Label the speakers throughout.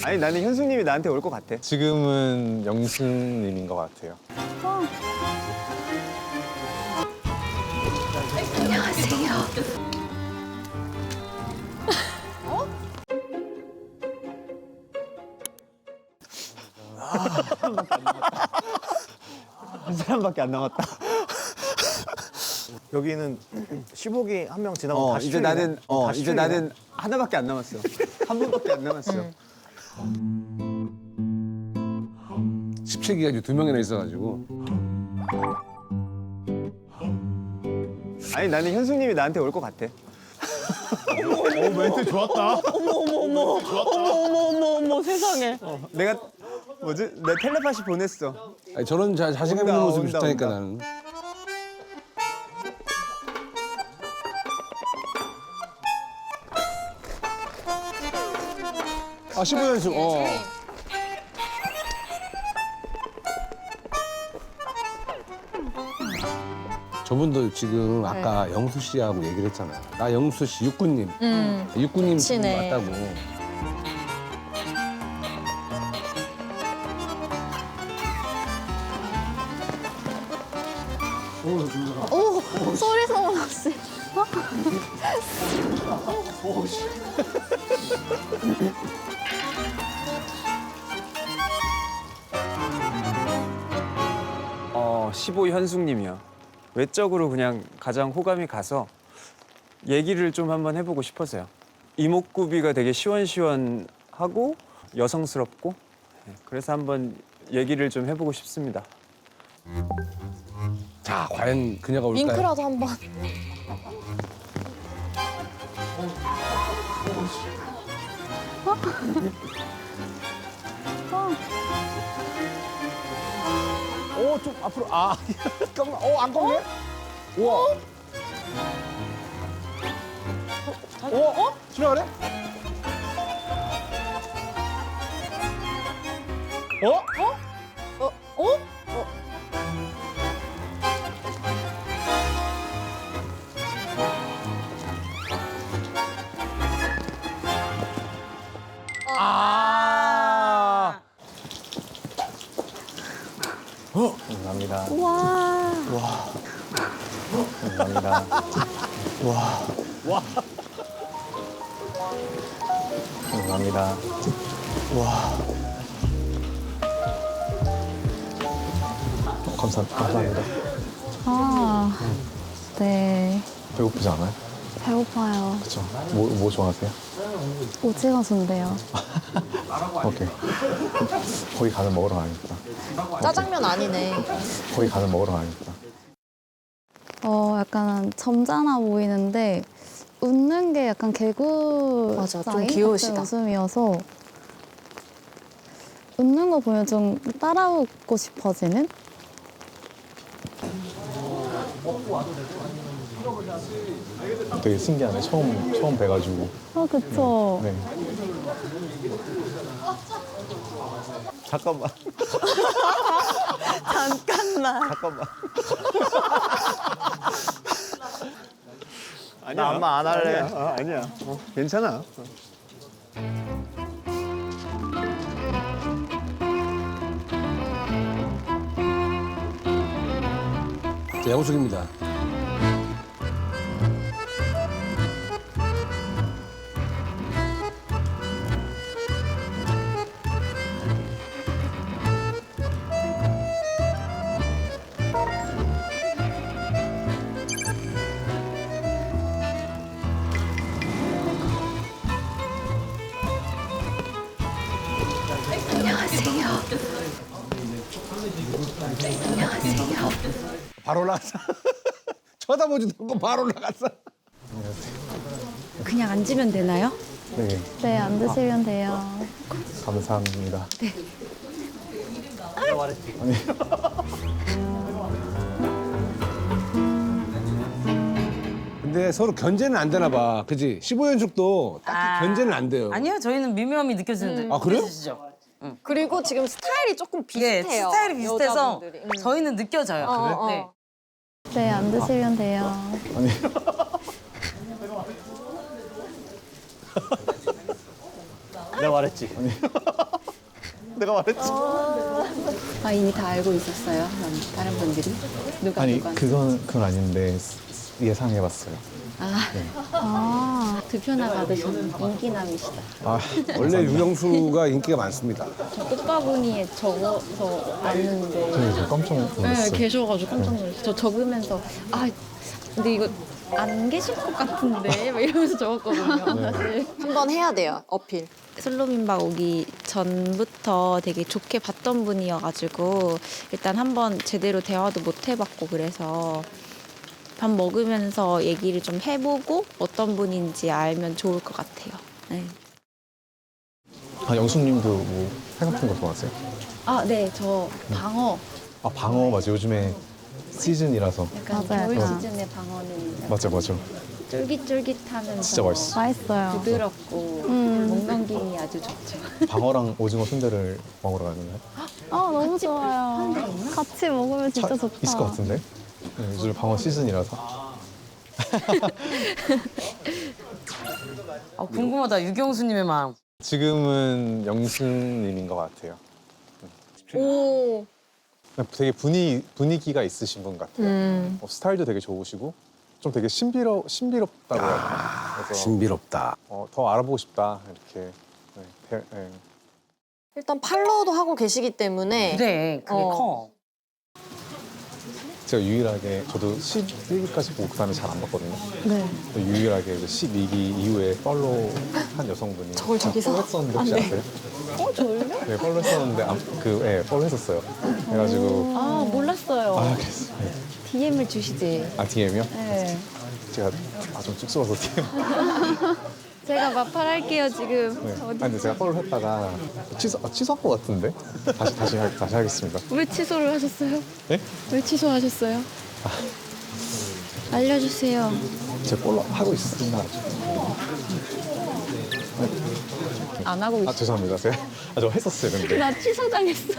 Speaker 1: 아니 나는 현숙님이 나한테 올 것 같아.
Speaker 2: 지금은 영수님인 것 같아요.
Speaker 1: 한 사람밖에 안 남았다.
Speaker 3: 여기는 15기 한 명 지나고 다시
Speaker 1: 이제
Speaker 3: 출이네.
Speaker 1: 나는
Speaker 3: 다시
Speaker 1: 이제
Speaker 3: 출이네.
Speaker 1: 나는 하나밖에 안 남았어. 한 분밖에 안 남았어.
Speaker 4: 17기가 이제 2명이나 있어가지고.
Speaker 1: 아니 나는 현숙님이 나한테 올 것 같아.
Speaker 3: 멘트 좋았다.
Speaker 5: 어머 세상에.
Speaker 1: 내가 뭐지? 내 텔레파시 보냈어.
Speaker 4: 아니, 저런 자신감 있는
Speaker 1: 온다,
Speaker 4: 모습이
Speaker 1: 온다,
Speaker 4: 좋다니까
Speaker 1: 온다.
Speaker 4: 나는. 아 15연승. 저분도 지금 아까 영수 씨하고 얘기를 했잖아요. 나 영수 씨 육군님. 육군님 지금
Speaker 5: 그치네.
Speaker 4: 맞다고.
Speaker 6: 오, 소리 소문 없이.
Speaker 1: 어, 15 현숙님이요. 외적으로 그냥 가장 호감이 가서 얘기를 좀 한번 해보고 싶어서요. 이목구비가 되게 시원시원하고 여성스럽고 그래서 한번 얘기를 좀 해보고 싶습니다.
Speaker 4: 자, 과연 그녀가 올까요?
Speaker 6: 윙크라도 한번.
Speaker 3: 좀 앞으로 잠깐만. 안 꺾네? 우와. 지나가네?
Speaker 1: 감사합니다.
Speaker 6: 와.
Speaker 1: 감사합니다. 감사합니다.
Speaker 2: 감사합니다.
Speaker 6: 아, 네.
Speaker 2: 배고프지 않아요?
Speaker 6: 배고파요.
Speaker 2: 그렇죠. 뭐 좋아하세요?
Speaker 6: 오징어 순대요.
Speaker 2: 오케이. 거기 가서 먹으러 가야겠다.
Speaker 5: 짜장면 아니네.
Speaker 2: 거기 가서 먹으러 가야겠다.
Speaker 6: 약간 점잖아 보이는데 웃는 게 약간 개구
Speaker 5: 맞아, 좀
Speaker 6: 스타일
Speaker 5: 귀여우시다.
Speaker 6: 같은 웃음이어서 웃는 거 보면 좀 따라 웃고 싶어지는?
Speaker 2: 되게 신기하네. 처음 뵈가지고.
Speaker 6: 그쵸.
Speaker 2: 네.
Speaker 1: 잠깐만.
Speaker 5: 잠깐만.
Speaker 1: 잠깐만.
Speaker 3: 나 안마 안 할래.
Speaker 1: 아니야. 괜찮아.
Speaker 4: 자, 영숙입니다. 바로 올라갔어. 쳐다보지도 않고 바로 올라갔어.
Speaker 5: 그냥 앉으면 되나요?
Speaker 2: 네.
Speaker 6: 네, 앉으시면 돼요.
Speaker 2: 감사합니다. 네. 아니.
Speaker 4: 근데 서로 견제는 안 되나 봐. 그지? 15연속도 딱히 견제는 안 돼요.
Speaker 7: 아니요, 저희는 미묘함이 느껴지는데.
Speaker 4: 아, 그래요?
Speaker 7: 느껴지시죠?
Speaker 5: 그리고 지금 스타일이 조금
Speaker 7: 예,
Speaker 5: 비슷해요.
Speaker 7: 스타일이 비슷해서
Speaker 5: 여자분들이.
Speaker 7: 저희는 느껴져요. 네.
Speaker 6: 네, 앉으시면 돼요.
Speaker 3: 내가 말했지. 내가 말했지.
Speaker 8: 아 이미 다 알고 있었어요? 다른 분들이? 누가
Speaker 2: 아니
Speaker 8: 누가?
Speaker 2: 그건 아닌데 예상해봤어요.
Speaker 8: 득표나 받으신 인기남이시다.
Speaker 2: 아
Speaker 4: 원래 유영수가 인기가 많습니다.
Speaker 8: 꽃바구니에 적어서 왔는데
Speaker 2: 그래서 깜짝
Speaker 8: 네,
Speaker 2: 놀랐어요.
Speaker 8: 계셔가지고 깜짝 놀랐어요. 저 적으면서 아 근데 이거 안 계실 것 같은데 막 이러면서 적었거든요. 사실.
Speaker 5: 한번 해야 돼요, 어필.
Speaker 9: 솔로민박 오기 전부터 되게 좋게 봤던 분이어가지고 일단 한번 제대로 대화도 못 해봤고 그래서 밥 먹으면서 얘기를 좀 해보고 어떤 분인지 알면 좋을 것 같아요. 네.
Speaker 2: 아 영수님도 뭐 회 같은 거 좋아하세요?
Speaker 8: 아 네, 저 방어
Speaker 2: 아 방어 맞아. 요즘에 시즌이라서.
Speaker 8: 약간
Speaker 6: 맞아요.
Speaker 8: 겨울
Speaker 6: 맞아요.
Speaker 8: 시즌의 방어는
Speaker 2: 맞아.
Speaker 8: 쫄깃쫄깃하면서
Speaker 2: 진짜 맛있어.
Speaker 6: 맛있어요.
Speaker 8: 부드럽고 목 넘김이 아주 좋죠.
Speaker 2: 방어랑 오징어 순대를 먹으러 가는 거예요?
Speaker 6: 아 너무 좋아요. 같이 먹으면 진짜 좋다.
Speaker 2: 있을 것 같은데? 네, 요즘 방어 시즌이라서.
Speaker 7: 궁금하다 유경수님의 마음.
Speaker 2: 지금은 영수님인 것 같아요.
Speaker 5: 오.
Speaker 2: 되게 분위기가 있으신 분 같아요. 스타일도 되게 좋으시고 좀 되게 신비롭다고 해야 되나? 그래서
Speaker 4: 신비롭다.
Speaker 2: 더 알아보고 싶다 이렇게. 네.
Speaker 5: 일단 팔로우도 하고 계시기 때문에
Speaker 7: 그래 그게 커.
Speaker 2: 제가 유일하게 저도 11기까지 보고 그다음에 잘 안 봤거든요.
Speaker 6: 네.
Speaker 2: 근데 유일하게 12기 이후에 팔로우 한 여성분이
Speaker 5: 저걸 저기서?
Speaker 2: 팔로우 했었는데 혹시 아세요?
Speaker 8: 저를요?
Speaker 2: 네, 팔로우 했었는데 팔로우 했었어요. 그래가지고
Speaker 8: 아 몰랐어요.
Speaker 2: 그랬어요. 네.
Speaker 8: DM을 주시지.
Speaker 2: DM이요?
Speaker 8: 네.
Speaker 2: 제가 좀 쑥스러워서 DM.
Speaker 8: 제가 마팔할게요 지금.
Speaker 2: 네. 근데 제가 팔로우 했다가 취소한 것 같은데? 다시 하겠습니다.
Speaker 8: 왜 취소를 하셨어요?
Speaker 2: 네?
Speaker 8: 왜 취소하셨어요? 알려주세요.
Speaker 2: 제가 팔로우 하고 있습니다.
Speaker 8: 안 하고 있어.
Speaker 2: 죄송합니다. 저 했었어요, 근데.
Speaker 8: 나 취소당했어.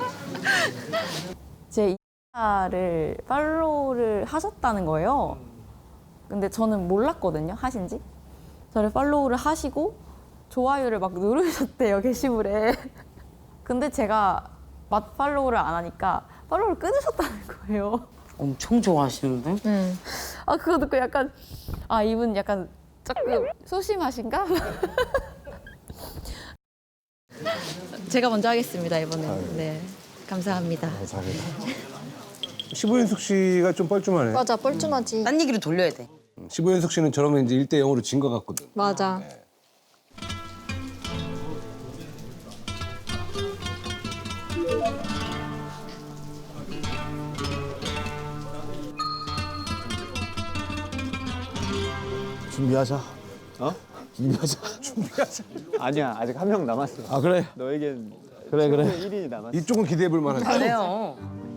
Speaker 9: 제 인스타를 팔로우를 하셨다는 거예요. 근데 저는 몰랐거든요, 하신지. 저를 팔로우를 하시고 좋아요를 막 누르셨대요, 게시물에. 근데 제가 팔로우를 안 하니까 팔로우를 끊으셨다는 거예요.
Speaker 7: 엄청 좋아하시는데?
Speaker 8: 아 그거 듣고 약간 이분 약간 조금 소심하신가? 제가 먼저 하겠습니다 이번엔. 네, 감사합니다.
Speaker 2: 감사합니다.
Speaker 4: 시보현숙 씨가 좀 뻘쭘하네.
Speaker 5: 맞아, 뻘쭘하지.
Speaker 7: 딴 얘기로 돌려야 돼.
Speaker 4: 시보현숙 씨는 저러면 이제 1대0으로 진 것 같거든.
Speaker 5: 맞아.
Speaker 3: 준비하자.
Speaker 1: 준비하자. 아니야, 아직 한 명 남았어.
Speaker 3: 아 그래.
Speaker 1: 너에겐
Speaker 3: 그래.
Speaker 1: 1인이 남았어.
Speaker 4: 이쪽은 기대해 볼 만하지.
Speaker 7: 잘해요.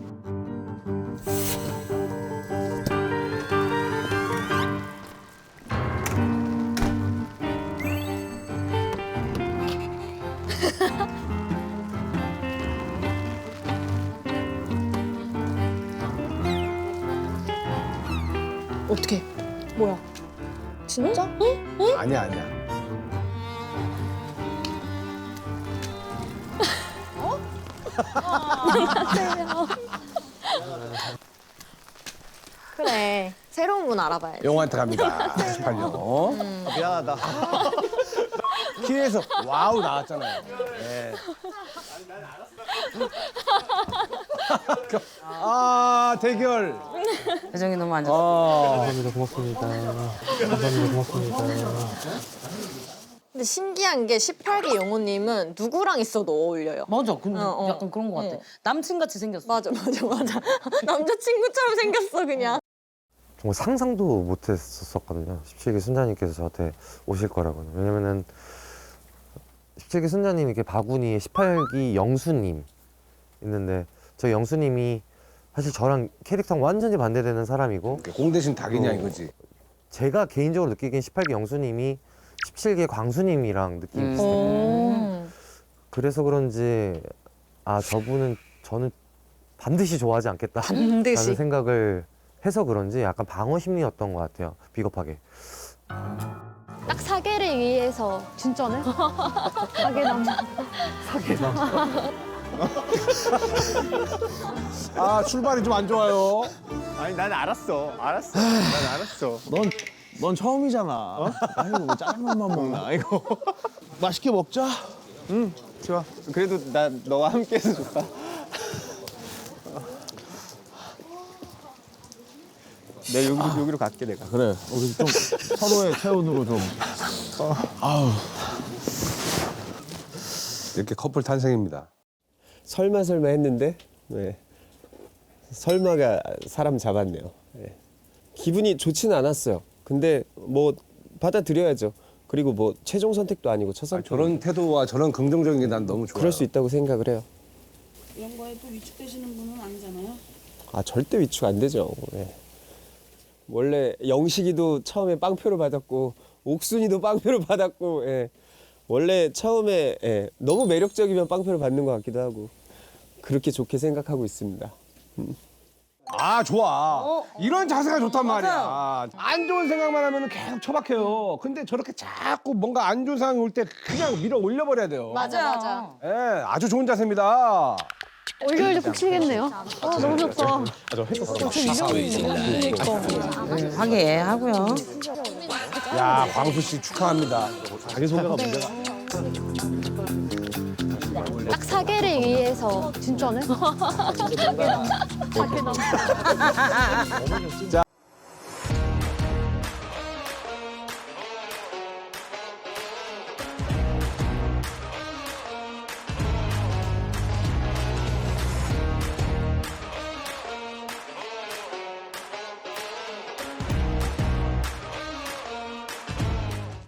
Speaker 5: 어떻게? 뭐야? 진짜?
Speaker 4: 아니야.
Speaker 5: 그래. 새로운 분 알아봐야지.
Speaker 4: 영화한테 갑니다. 98년.
Speaker 3: 미안하다.
Speaker 4: 키에서 와우 나왔잖아요. 네. 아 대결.
Speaker 7: 표정이 너무 안 좋아.
Speaker 5: 근데 신기한 게 18기 영호님은 누구랑 있어도 어울려요.
Speaker 7: 맞아. 근데
Speaker 5: 어.
Speaker 7: 약간 그런 것 같아.
Speaker 5: 어.
Speaker 7: 남친같이 생겼어.
Speaker 5: 맞아. 남자친구처럼 생겼어 그냥.
Speaker 10: 정말 상상도 못했었거든요. 17기 순자님께서 저한테 오실 거라고는. 왜냐면은 17기 순자님이 이렇게 바구니에 18기 영수님 있는데 저 영수님이 사실 저랑 캐릭터랑 완전히 반대되는 사람이고
Speaker 4: 공 대신 닭이냐 이거지.
Speaker 10: 제가 개인적으로 느끼기엔 18기 영수님이 17기 광수님이랑 느낌이 비슷해요. 그래서 그런지 저분은 저는 반드시 좋아하지 않겠다라는
Speaker 5: 반드시.
Speaker 10: 생각을 해서 그런지 약간 방어 심리였던 것 같아요. 비겁하게.
Speaker 8: 딱
Speaker 6: 사계를 위해서 진짜네? 사계남.
Speaker 4: 아 출발이 좀 안 좋아요.
Speaker 3: 아니 난 알았어. 난 알았어.
Speaker 11: 넌 처음이잖아. 아이고 뭐 짜장면만 먹나 이거. 맛있게 먹자.
Speaker 1: 좋아. 그래도 나 너와 함께해서 좋다. 내 여기로 갈게 내가.
Speaker 11: 그래. 우리 좀 서로의 체온으로 좀.
Speaker 4: 이렇게 커플 탄생입니다.
Speaker 12: 설마 했는데 네. 설마가 사람 잡았네요. 네. 기분이 좋지는 않았어요. 근데 뭐 받아들여야죠. 그리고 뭐 최종 선택도 아니고 첫 선택.
Speaker 4: 저런 태도와 저런 긍정적인 게 난 너무 좋아요.
Speaker 12: 그럴 수 있다고 생각을 해요.
Speaker 13: 이런 거에 또 위축되시는 분은 아니잖아요.
Speaker 12: 아 절대 위축 안 되죠. 네. 원래 영식이도 처음에 빵표를 받았고 옥순이도 빵표를 받았고 예. 원래 처음에 예. 너무 매력적이면 빵표를 받는 것 같기도 하고 그렇게 좋게 생각하고 있습니다.
Speaker 4: 아 좋아. 이런 자세가 좋단 말이야. 안 좋은 생각만 하면 계속 처박혀요. 근데 저렇게 자꾸 뭔가 안 좋은 상황이 올 때 그냥 밀어 올려버려야 돼요.
Speaker 5: 맞아.
Speaker 4: 예, 아주 좋은 자세입니다.
Speaker 6: 올려올려 꼭 치겠네요. 아 너무 좋다.
Speaker 7: 화기애애하고요.
Speaker 4: 야 광수 씨 축하합니다.
Speaker 11: 자기소개가 문제가.
Speaker 6: 딱 사계를 위해서 진짜네? 사계남.